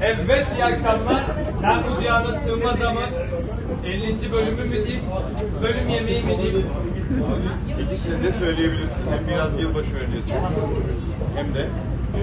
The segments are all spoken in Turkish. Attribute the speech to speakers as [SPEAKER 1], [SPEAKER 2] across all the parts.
[SPEAKER 1] Evet, iyi akşamlar. Ben bu cihana sığmaz ama 50. bölümü mü diyeyim, bölüm yemeği mi diyeyim?
[SPEAKER 2] İkisini de söyleyebilirsin. Hem biraz yılbaşı öncesi hem de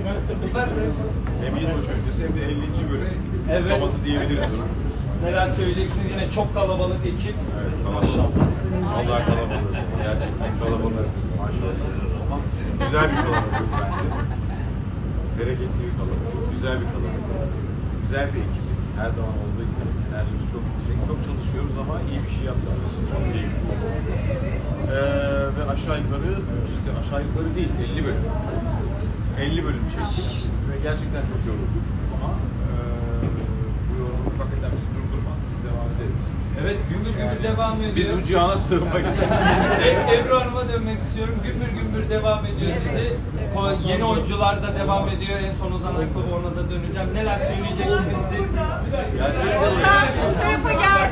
[SPEAKER 2] yılbaşı öncesi hem de 50. bölüm
[SPEAKER 1] Evet.
[SPEAKER 2] havası diyebiliriz ona.
[SPEAKER 1] Neler söyleyeceksiniz? Yine çok kalabalık ekip.
[SPEAKER 2] Evet,
[SPEAKER 1] Maşallah.
[SPEAKER 2] Allah kalabalığız. Gerçekten kalabalığız. Maşallah. Ama güzel bir kalabalığız bence. Bereketli bir kalabalığız. Güzel bir kalabalığız. Güzel bir ekibiz. Her zaman olduğu gibi enerjimiz çok yüksek. Çok çalışıyoruz ama iyi bir şey yaptığımız için çok keyifliyiz. Ve aşağı yukarı değil 50 bölüm. 50 bölüm çektik. Ve gerçekten çok yorulduk. Ama bu yorgunluk hakikaten bizi durdurmaz. Biz devam ederiz.
[SPEAKER 1] Evet, gümbür gümbür devam ediyor.
[SPEAKER 2] Biz bu cihana sığınmayız.
[SPEAKER 1] Ebru Hanım'a dönmek istiyorum. Gümbür gümbür devam ediyor dizi. Yeni oyuncular da devam ediyor. En son Ozan Akbaba, ona da döneceğim. Neler söyleyeceksiniz siz?
[SPEAKER 3] Bu tarafa gel.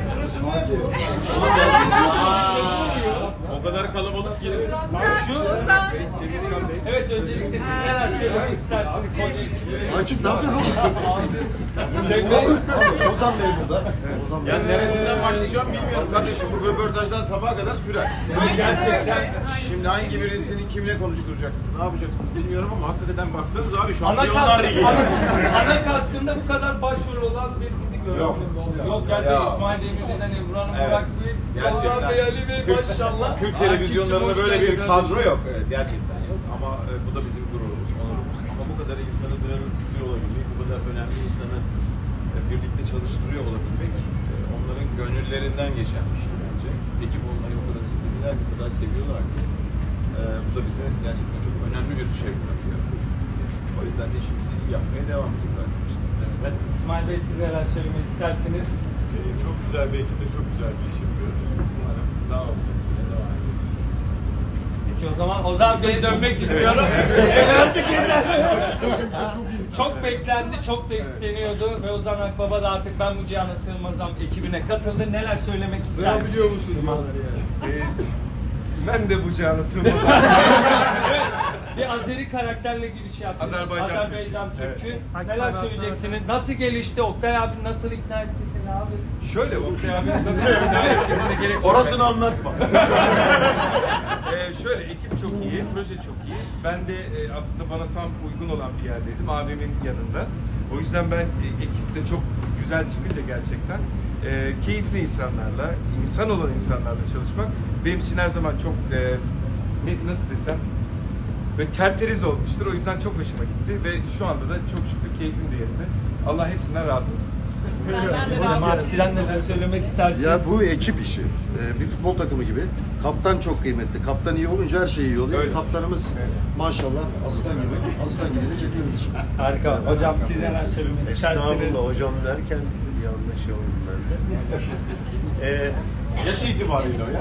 [SPEAKER 2] O kadar kalabalık ki.
[SPEAKER 1] Şu, evet, öncelikle siz neler söylemek istersiniz koca ekibi?
[SPEAKER 4] Akif ne yapıyorsun oğlum?
[SPEAKER 1] Cenk Bey.
[SPEAKER 4] Ozan Bey burada. Ozan Bey.
[SPEAKER 2] Yani neresinden başlayacağım bilmiyorum kardeşim. Bu röportajdan sabaha kadar sürer.
[SPEAKER 1] Gerçekten.
[SPEAKER 2] Şimdi hangi birisini kimle konuşturacaksınız, ne yapacaksınız bilmiyorum ama hakikaten baksanız abi
[SPEAKER 1] Ana
[SPEAKER 2] Şampiyonlar Ligi.
[SPEAKER 1] ana kastında bu kadar başrol olan bir dizi
[SPEAKER 2] Yok.
[SPEAKER 1] görüyoruz. Yok, gerçekten
[SPEAKER 2] Ya.
[SPEAKER 1] İsmail Demirci'den Ebru Hanım,
[SPEAKER 2] Evet.
[SPEAKER 1] Burak Bey,
[SPEAKER 2] Gerçekten.
[SPEAKER 1] Orhan Bey, Ali Bey, maşallah.
[SPEAKER 2] Türk
[SPEAKER 1] Akif'cim,
[SPEAKER 2] televizyonlarında
[SPEAKER 1] hoş
[SPEAKER 2] böyle bir
[SPEAKER 1] geldin
[SPEAKER 2] kadro
[SPEAKER 1] kardeşim.
[SPEAKER 2] yok. Evet, gerçekten yok ama bu da bizim gururumuz, onurumuz. Ama bu kadar insanı bir arada tutuyor olabilmek, bu kadar önemli insanı birlikte çalıştırıyor olabilmek onların gönüllerinden geçen bir şey bence. Ekip olmayı o kadar istediler, bu kadar seviyorlar ki bu da bize gerçekten çok önemli bir şey bırakıyor. O yüzden de işimizi iyi yapmaya devam edeceğiz arkadaşlar.
[SPEAKER 1] Evet, İsmail Bey, siz neler söylemek istersiniz?
[SPEAKER 2] Çok güzel bir ekiple çok güzel bir iş yapıyoruz. Umarım daha uzun süre devam edecek.
[SPEAKER 1] Peki o zaman Ozan Bey'e dönmek istiyorum. Çok beklendi, çok da isteniyordu ve Ozan Akbaba da artık ben bu cihana sığmazam ekibine katıldı. Neler söylemek ister?
[SPEAKER 2] Biliyor musun?
[SPEAKER 5] Ben de bu cihana sığmam.
[SPEAKER 1] Evet, bir Azeri karakterle giriş yaptı.
[SPEAKER 5] Azerbaycan
[SPEAKER 1] Türk'ü.
[SPEAKER 5] Evet.
[SPEAKER 1] Neler söyleyeceksiniz? Nasıl gelişti? Oktay abi nasıl ikna etti seni abi?
[SPEAKER 5] Şöyle Oktay abi zaten ikna etmesine gerek yok.
[SPEAKER 2] Orasını anlatma.
[SPEAKER 5] Şöyle ekip çok iyi, proje çok iyi. Ben de aslında bana tam uygun olan bir yerdeydim, abimin yanında. O yüzden ben ekipte çok güzel çıkınca gerçekten keyifli insanlarla, insan olan insanlarla çalışmak benim için her zaman çok nasıl desem ve tertemiz olmuştur. O yüzden çok hoşuma gitti ve şu anda da çok şükür keyfim de yerinde. Allah hepsinden razı olsun.
[SPEAKER 1] Hocam abi, sizden neler söylemek istersin?
[SPEAKER 4] Ya bu ekip işi. Bir futbol takımı gibi. Kaptan çok kıymetli. Kaptan iyi olunca her şey iyi oluyor.
[SPEAKER 2] Öyle.
[SPEAKER 4] Kaptanımız maşallah aslan gibi. Aslan gibi de çekiyoruz işi.
[SPEAKER 1] Harika. Hocam, siz neler söylemek istersiniz?
[SPEAKER 6] Estağfurullah hocam derken yanlış oldu bende.
[SPEAKER 2] Yaş itibariyle o ya.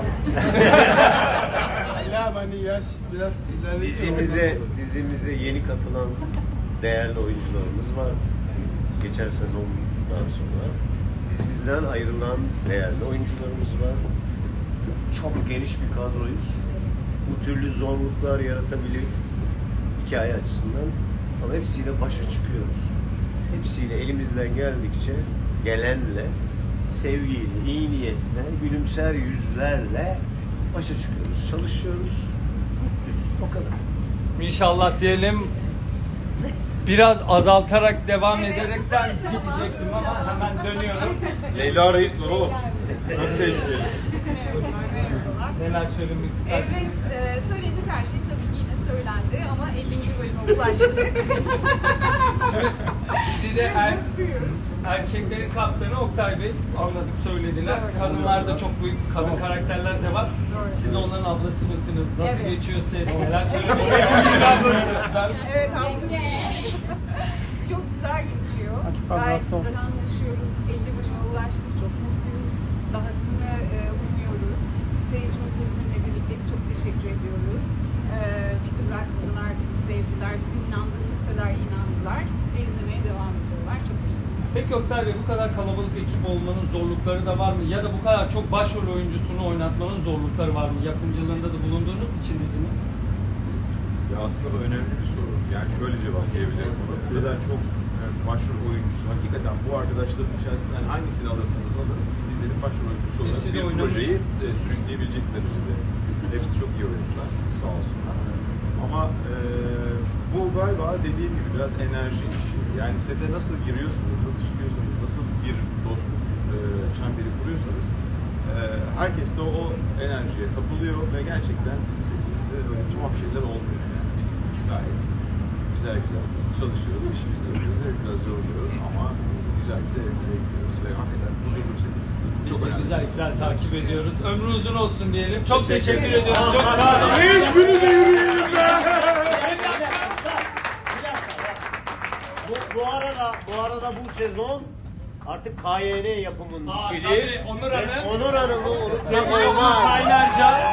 [SPEAKER 6] Dizimize yeni katılan değerli oyuncularımız var. Geçen sezondan sonra dizimizden ayrılan değerli oyuncularımız var. Çok geniş bir kadroyuz. Bu türlü zorluklar yaratabilir hikaye açısından ama hepsiyle başa çıkıyoruz. Hepsiyle elimizden gelenle sevgiyle, iyi niyetle, gülümser yüzlerle başa çıkıyoruz, çalışıyoruz, mutluyuz. O kadar.
[SPEAKER 1] İnşallah diyelim. Biraz azaltarak devam ederekten gidecektim ama hemen dönüyorum.
[SPEAKER 2] Leyla Reis var oğlum. Çok tehlikeli.
[SPEAKER 1] Neler söylemek istersiniz?
[SPEAKER 3] Evet, söyleyecek her şey tabii ki yine söylendi ama 50. bölüme ulaştık.
[SPEAKER 1] Dizide erkeklerin kaptanı Oktay Bey, anladık, söylediler.
[SPEAKER 3] Doğru.
[SPEAKER 1] Kadınlarda çok büyük kadın karakterler de var. Siz onların ablası mısınız? Nasıl
[SPEAKER 3] Evet.
[SPEAKER 1] geçiyor set? Neler söylemek istersiniz?
[SPEAKER 3] Evet, çok güzel geçiyor. Gayet güzel anlaşıyoruz. 50 bölüme ulaştık. Çok mutluyuz. Dahasını umuyoruz. Seyircimiz de bizimle birlikte çok teşekkür ediyoruz. Bizi bırakmadılar, bizi sevdiler. Bizim inandığımız kadar inandılar. Ve izlemeye devam ediyorlar. Çok teşekkürler.
[SPEAKER 1] Peki Oktay Bey, bu kadar kalabalık ekip olmanın zorlukları da var mı? Ya da bu kadar çok başrol oyuncusunu oynatmanın zorlukları var mı? Yapımcılığında da bulunduğunuz için dizinin.
[SPEAKER 2] Ya aslında bu önemli bir soru. Yani şöyle cevaplayabilirim bunu. Bu kadar çok başrol oyuncusu, hakikaten bu arkadaşların içerisinden hangisini alırsanız alın dizinin başrol oyuncusu olarak
[SPEAKER 1] Hepsi de
[SPEAKER 2] bir
[SPEAKER 1] oynamış.
[SPEAKER 2] projeyi sürükleyebilecekler işte. Hepsi çok iyi oyuncular sağ olsunlar. Ama bu galiba dediğim gibi biraz enerji işi. Yani sete nasıl giriyorsanız, nasıl çıkıyorsanız, nasıl bir dostluk çemberi kuruyorsanız herkes de o enerjiye kapılıyor ve gerçekten bizim setimizde öyle tuhaf şeyler olmuyor. Yani biz gayet güzel çalışıyoruz, işimizi yapıyoruz, evet biraz yoruluyoruz ama güzel evimize gidiyoruz ve hakikaten huzurlu bir setimiz. Çok önemli.
[SPEAKER 1] Güzel takip ediyoruz. Ömrü uzun olsun diyelim. Çok teşekkür ediyorum. Çok sağ olun.
[SPEAKER 2] Hiçbirinize yürüyelim be!
[SPEAKER 6] Bu arada bu sezon artık KYN yapımının işi.
[SPEAKER 1] Tabii, Onur Hanım.
[SPEAKER 6] Onur Hanım'ı unutmak
[SPEAKER 1] Sevgili Onur
[SPEAKER 6] olmaz.
[SPEAKER 1] Kaynarca.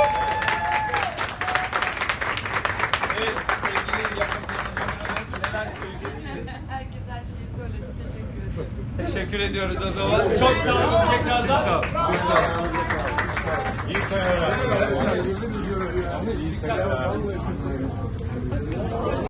[SPEAKER 1] Evet, sevgili yapım teknisyenler, neler söyleyeceksiniz?
[SPEAKER 3] Herkes her şeyi söyledi. Teşekkür ederim.
[SPEAKER 1] Teşekkür ediyoruz o zaman. Çok sağ olun tekrardan.
[SPEAKER 5] Sağ olun.
[SPEAKER 2] İyi seneler.
[SPEAKER 1] İyi seneler.